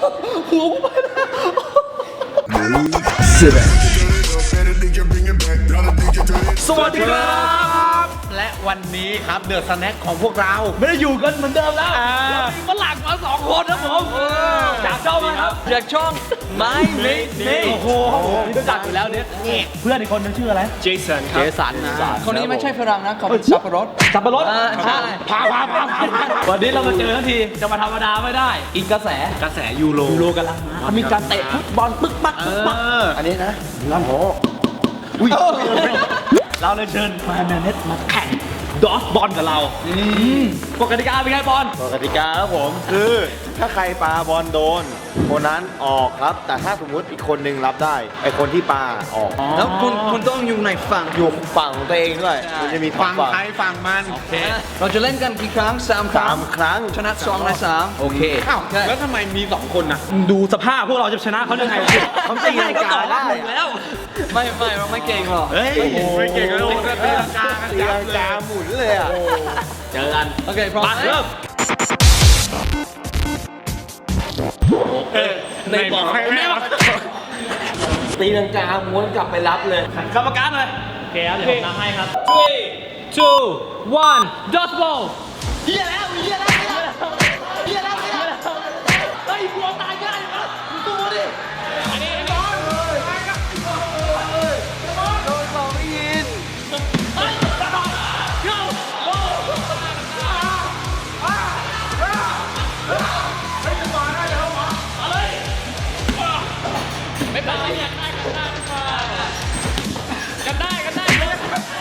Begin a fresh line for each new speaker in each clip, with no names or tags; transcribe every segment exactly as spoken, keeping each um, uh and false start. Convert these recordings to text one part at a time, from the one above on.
หัวกูไปแล้วสวัสดีครับและวันนี้ครับเดอะสแน็คของพวกเราไม่ได้อยู่กันเหมือนเดิมแล้วเรามีฝรั่งมาสองคนนะผมจากช่องนะครับจากช่องไม่ไม่ไม่โอ้โหนี่รู้จักอยู่แล้วเนี่ยเพื่อนอีกคนนึงชื่ออะไรเจสันครับเจสันนะ
คนนี้ไม่ใช่ฝรั่งนะเขาเป็นสับปะรด
สับปะรด
ใช่
พาพาพาวันนี้เรามาเจอทันทีจะมาธรรมดาไม่ได้อีกกระแสกระแสยูโรยูโรกันแล้วนะมีการเตะฟุตบอลปึ๊กปักปึ๊กปัก
อันนี้นะ
ลำโหอุ้ยเราเลยเชิญมาแมนเนสมาแข่งดอสบอลกับเรากฎกติกาเป็นไงบอล
กฎกติกาครับผมคือถ้าใครปาบอลโดนคนนั้นออกครับแต่ถ้าสมมุติอีกคนนึงรับได้ไอคนที่ปาออก
แล้วคุณคุณต้องอยู่ในฝั่ง
อยู่ฝั่งของตัวเองด้วยมันจะมี
ฝั่งใครฝั่งมันโอเค
เราจะเล่นกันกี่ครั้งสามครั้ง
สามครั้ง
ชนะสองในสามโอเค
อ้าวแล้วทำไมมีสองคนน่ะดูสภาพพวกเราจะชนะเขาได้ไงเขาตีลังกาได้แล้ว
ไม่ไม่เราไม่เก่งหรอก
เฮ้ยไม่เก่งเลยตีลังกา
ตีลังกาหมุนเลยอ่ะ
เจอกัน
โอเคพร้อม
เริ่มในบอกให้แม่
ตีลังกาม้วนกลับไปรับเลย
กรรมการเลยโอเคครับเดี๋ยวผมนับให้ครับ three two one dot ball เฮียแล้วเฮียแล้วเฮียแล้วเฮียแล้วเฮ้ยกลัวตายง่ายมั้ยตัวดิอันนี้บอลโดน
สองไม่ยิน
เฮ้ยบอลโย่โอ้เฮ้ยจะมาได้แล้วหรอมาเลยไม่เป็นไรเนี่ยได้กันได้กันได้กันได้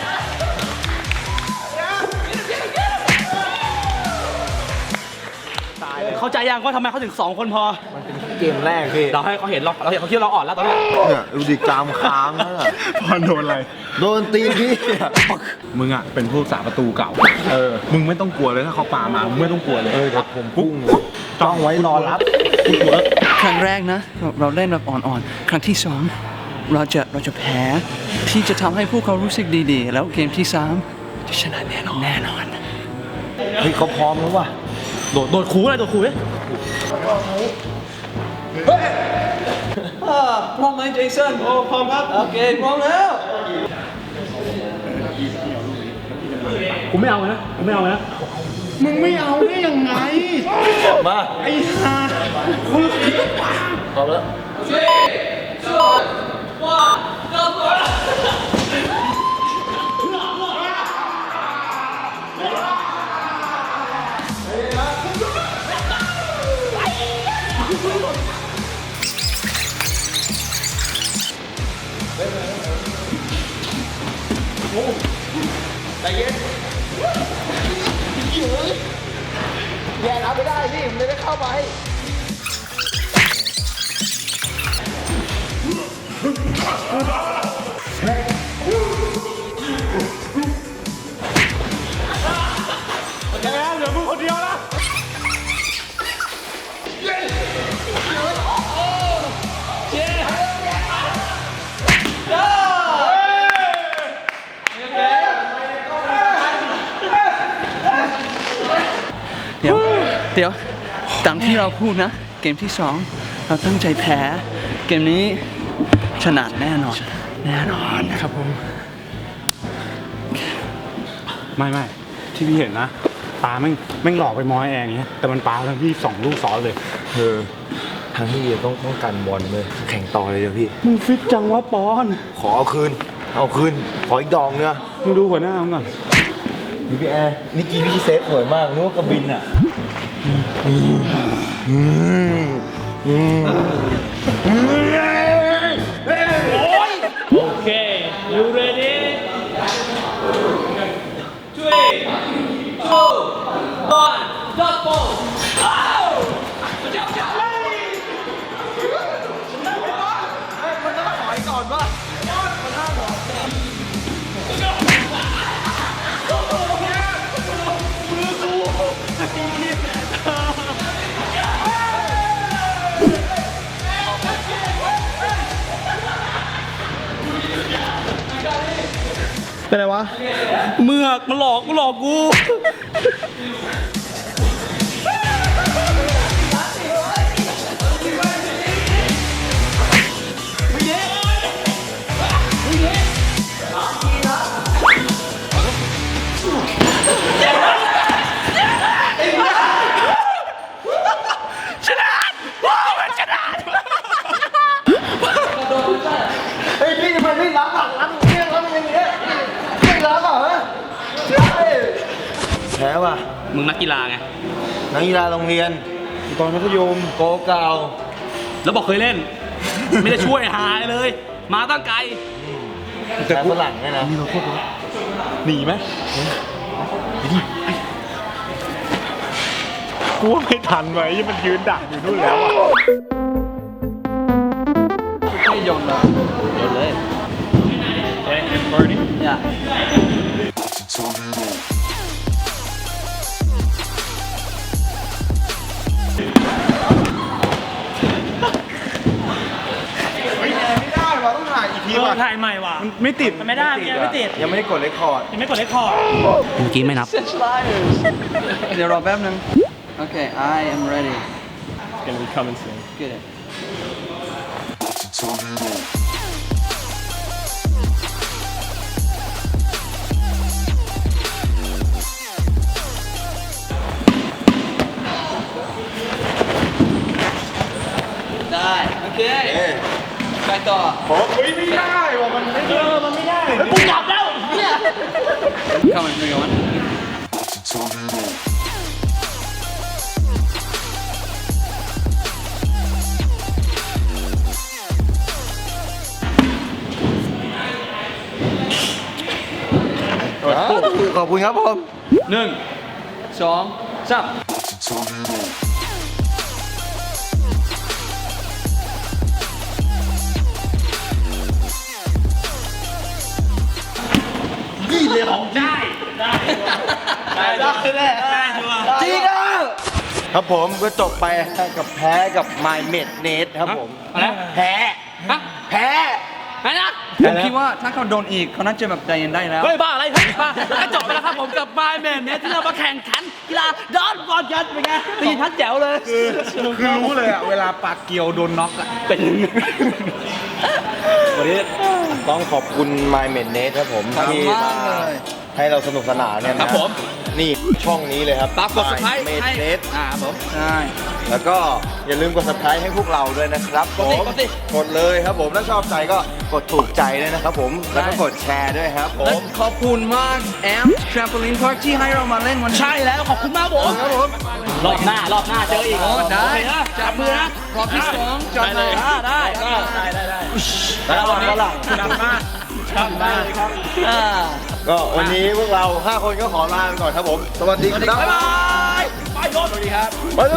เข้าใจยังว่าทำไมเขาถึงสองคนพอ
มันเป็นเกมแรกพี่
เราให้เขาเห็นเราเราเห็นเขาคิดเราอ่อนแล้วตอนนี้
เนี่ยดูดิกรามค้างแล้ว
พอโดนอะไร
โดนตีพี่
มึงอ่ะเป็นผู้สาประตูเก่าเออมึงไม่ต้องกลัวเลยถ้าเขาปามามึงไม่ต้องกลัวเลย
เออเดี๋ยวผมพุ่งจ้องไว้รอรับ
ครั้งแรกนะเราเล่นแบบอ่อนๆครั้งที่สองเราจะเราจะแพ้ที่จะทำให้พวกเขารู้สึกดีๆแล้วเกมที่สามจะชนะแน่นอนแน่นอน
เฮ้ยเขาพร้อมแล้วว่ะ
โดดโดดคูอะไรโดดคูเลย
พร้อมไหมเจสัน
โอ้พร้อมครับ
โอเคพร้อมแล้ว
ผมไม่เอานะผมไม่เอานะ
มึงไม่เอาได้ยังไง
มา
ไอ้ห่าคุณ
พร้อมแล้วใจเย็นเยอะแย่รับไม่ได้พี่ผมเลยได้เข้าไป
โอเคแล้วเหลือมึงคนเดียวนะ
เดี๋ยวเดี๋ยวตามที่เราพูดนะเกมที่สองเราตั้งใจแพ้เกมนี้ชนะแน่นอนแน่นอน
ครับผมไม่ไม่ที่พี่เห็นนะปาแม่งแม่งหลอกไปมอยแองเงี้ยแต่มันปาทั้งพี่สองลูกซ้อนเลย
เออทางที่ดีต้องต้องการบอลเลยแข่งต่อเลยเดี๋ยวพี่
มึงฟิตจังวะปอน
ขอเอาคืนเอาคืนขออีกดองเนี่ย
มึงดูหัวหน้ามึงก่อน
นี่พี่แอร์นี่กีพี่เซฟสวยมากนึกว่ากระบินอ่ะ
โอเค you ready three two one dot ball มันต้องถอยก่อนป่ะมันห้ามหรอเป็นไรวะเมือกมันหลอกกูหลอกกู
ไม่รับหรอกรับเนี่ยรับอย่างเงี้ยไม่รับอ่ะฮะใช่แพ้ว่ะ
มึงนักกีฬาไง
นักกีฬาโรงเรียนตอนมัธยมโกเก่า
แล้วบอกเคยเล่น ไม่ได้ช่วยหายเลย มาตั้งไกล
แต่ฝรั่งเนี่ยนะหนีไหม
กูว่าไม่ทันไว้ยี่มันยืนดักอยู่นู่นแล้วอ่ะ
ไม่โยนเลยโยนเลย อย่า
ไม่ได้ว่ะต้องถ่ายอีกที
เออ
ว่ะ
ถ่ายใหม่ว่ะ
มันไม่ติด
มันไม่ได้มันยังไม่ติด
ยังไม่ได้กดเรคคอร์ด
ยังไม่กดเลคคอร์ด
เมื่อกี้ไม่นับ
เดี๋ยวรอแป๊บนึงโอเค I am ready
gonna be coming soon
get it ได้โอเคไปต่อ
ผมไม่ได้ว่ะมันไม่
เออ มันไม่ได้
กูกลับแล้วเนี่ย
เข้ามาไม่ก่อน
ขอบคุณครับผม
หนึ่งสองสาม
นี่เลยของได้ ได้ ได้ได้ได้
ได้ชัวร์
จริงอ่ะครับผมก็จบไปกับแพ้กับ My Med Net ครับผม
อะไร
แพ้
ฮะ
แพ้
ไหนนะ
ผมคิดว่าถ้าเขาโดนอีกเขาน่าจะแบบใจเย็นได้แล้ว
เฮ้ยบ้าอะไรเฮ้ยบ้าก็จบไปแล้วครับผมกับไมแมนเนี่ยที่เรามาแข่งขันกีฬาดอนบอลกันเป็นไงตีพัดแจ๋วเลย
คือคือรู้เลยอ่ะ เวลาปากเกียวโดนน็อกอ่ะ
เป็นยังไง
วันนี้ต้องขอบคุณ My Med Net ครับผม
ขอบคุณ
ที่
มากเลย
ให้เราสนุกสนานเนี่ยนะครับ
ผม
นี่ช่องนี้เลยครับ
ฝากกด subscribe
My Med
ให้
Net
อ่าครับผม
ใช่
แล้วก็อย่าลืมกด subscribe ให้พวกเราด้วยนะครับผ
กดสิ
ม
กดสิ
กดเลยครับผมถ้าชอบใจก็กดถูกใจด้วยนะครับผมแล้วก็กดแชร์ด้วยครับผ
และ
ม
ขอบคุณมากแอม Trampoline Park ที่ให้เรามาเล่นวันนี้
ใช่แล้วขอบคุณมากผม
ครับผม
รอบหน้ารอบหน้าเจออีก
โอ้ได้
โอเคนะจับมือนะ
รอบที่สองจับ
ได้เลย
มา
อ่าได้ก็ได้ได้ได้แล้ววันนี้ก็หลังจับมาจับมาครับ
อ่า
ก็วันนี้พวกเราห้าคนก็ขอลาไปก่อนครับผม สวัสดีครับ
บ๊ายบายไปโยนสวัสดีครับ
ไปดู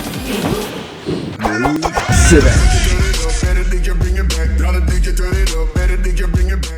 Better think you bring it back, gotta think you turn it up.